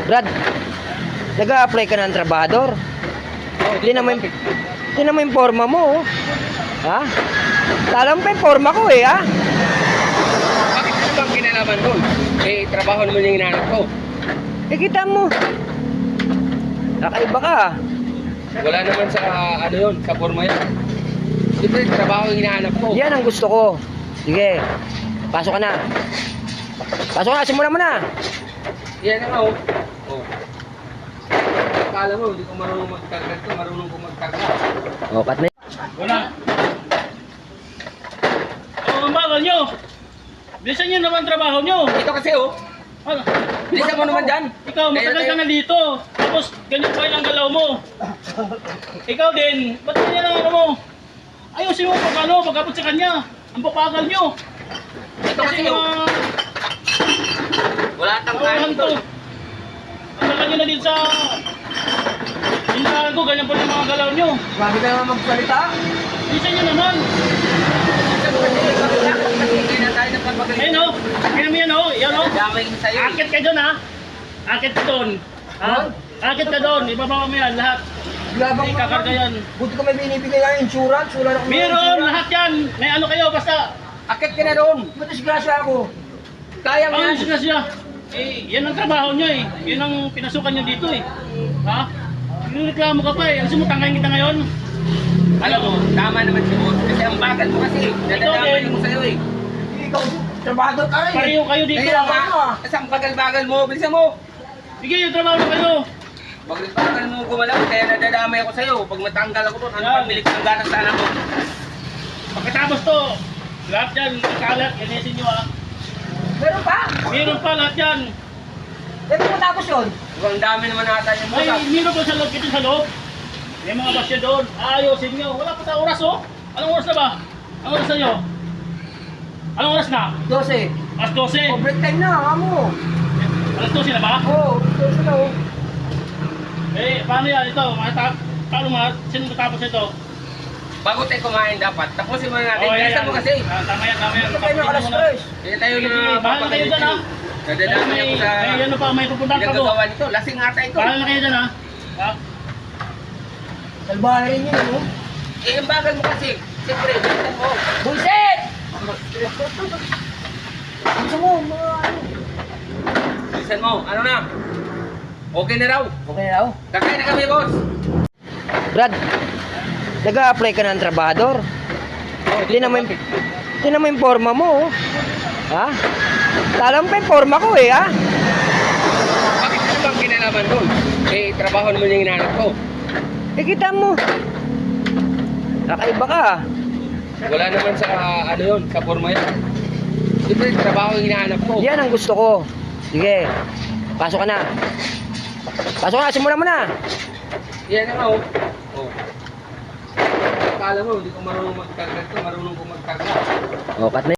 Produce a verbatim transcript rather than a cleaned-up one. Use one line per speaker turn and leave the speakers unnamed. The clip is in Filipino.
Brad, nag-a-apply ka ng trabahador. Hindi naman, hindi naman yung forma mo, oh. Ha? Alam pa yung forma ko, eh, ha?
Bakit ano bang kinalaman doon? Eh, trabaho naman yung hinahanap ko.
Eh, kita mo. Nakaiba ka, ah.
Wala naman sa, ano yun, sa forma yun. Siyempre, trabaho yung hinahanap ko.
Yan ang gusto ko. Sige, pasok ka na. Pasok ka na, simulan mo na.
Yan na nga, oh. Oh. Akala mo, hindi ko marunong magkarga ito, marunong ko magkarga.
O, cut na yun.
Wala. Oh, ang bagal nyo. Bilisan nyo naman trabaho nyo.
Ito kasi, oh.
Ano?
Bilisan mo naman dyan.
Ikaw, matagal ka na dito. Tapos, ganyan pa yung galaw mo. Ikaw din, ba't ganyan ang ano mo? Ayusin mo pag ano, pagkapot sa kanya. Ang papagal nyo.
Ito kasi, oh.
uh,
Wala tang
Tawahan
kain
to.
to.
Ang tagal nyo na din sa... Hintahan ko, ganyan pa yung mga galaw nyo.
Grabe ka naman magsalita.
Bilisan nyo naman.
Hindi na tayo nagpapagaling.
Ayun o, tingnan mo yan o, yan o.
Damay ko sa'yo.
Akit ka dyan ha. Akit ka doon. Ha? Akit ka doon, ibababa mo yan lahat.
Labang
May kakarga yan.
Buti ko may binibigay ng insurance. Wala na akong
Meron, lahat yan. May ano kayo, basta.
Akit ka na doon.
Ba't disgrasya ako?
Kaya mo
Ang
yan.
siya siya. Eh, yan ang trabaho nyo eh. Yan ang pinasukan nyo dito eh. Ha? Nireklamo ka pa eh. Ang sumutangkain kita ngayon.
Alam mo, tama naman si Boss. Kasi ang bagal mo kasi. Nadadamay
din.
mo sa'yo eh.
Ikaw, trabahador ka rin.
Pareho kayo dito.
Kaya nga, kasi ang bagal-bagal mo. Bilisan mo.
Sige, yung trabaho na kayo.
Bagal-bagal mo gumalaw. Kaya nadadamay ako sa'yo. Pag matanggal ako doon, ano
Yan.
pang bilik ng ganang sana mo?
Pagkatapos to, lahat yan, kalat, kanisin nyo ha.
Meron pa?
Meron pa lahat yan.
Eh, kung matapos yun?
Ang dami naman nata yung
May
bukas.
meron pa sa loob, ito sa loob. May mga basya doon. Ayusin nyo. Wala pa tayong oras oh. Anong oras na ba? Anong oras na nyo? Anong oras na?
dose.
Alas dose.
O, break time na, amo.
Alas dose na ba?
Oo, dose na, oh.
Eh, paano yan? Ito, mata paano mga, sino tatapos ito?
Bago tayo kumain dapat. Tapusin mo na natin.
Oh, yan,
Bilisan
yan.
mo kasi.
Ah, tama yan, tama yan.
Ito kayo ng alas
Tapusin mo
tres.
Kaya tayo
Sige,
na
sige. Bahala na kayo dyan ha.
Nadadamay
May,
ako sa
may ano pa, may pupuntahan pa ko.
pinagagawa nito. Lasing ata ito.
Bahala na kayo dyan ha. Ha?
Salbahan rin yun, oh.
Eh, ang bagal mo kasi. Siyempre, bilisan mo.
Bullshit! Gusto mo, mga ano.
Bilisan mo. Ano na? Okay na raw.
Okay na, oh.
Kakain na kami, boss.
Brad, nag-a-apply ka ng trabahador. Hindi naman, hindi naman yung forma mo, oh. Ha? Alam pa yung forma ko, eh, ha?
Bakit ano bang kinalaman doon? Eh, trabaho naman yung hinahanap ko.
Eh, kita mo. Nakaiba ka, ah.
Wala naman sa, ano yun, sa forma yun. Siyempre, trabaho yung hinahanap ko.
Yan ang gusto ko. Sige, pasok ka na. Pasok ka na, simulan mo na.
Yan na nga, oh. Oh. Akala mo, hindi ko marunong magkarga ito, marunong ko magkarga.
O, cut na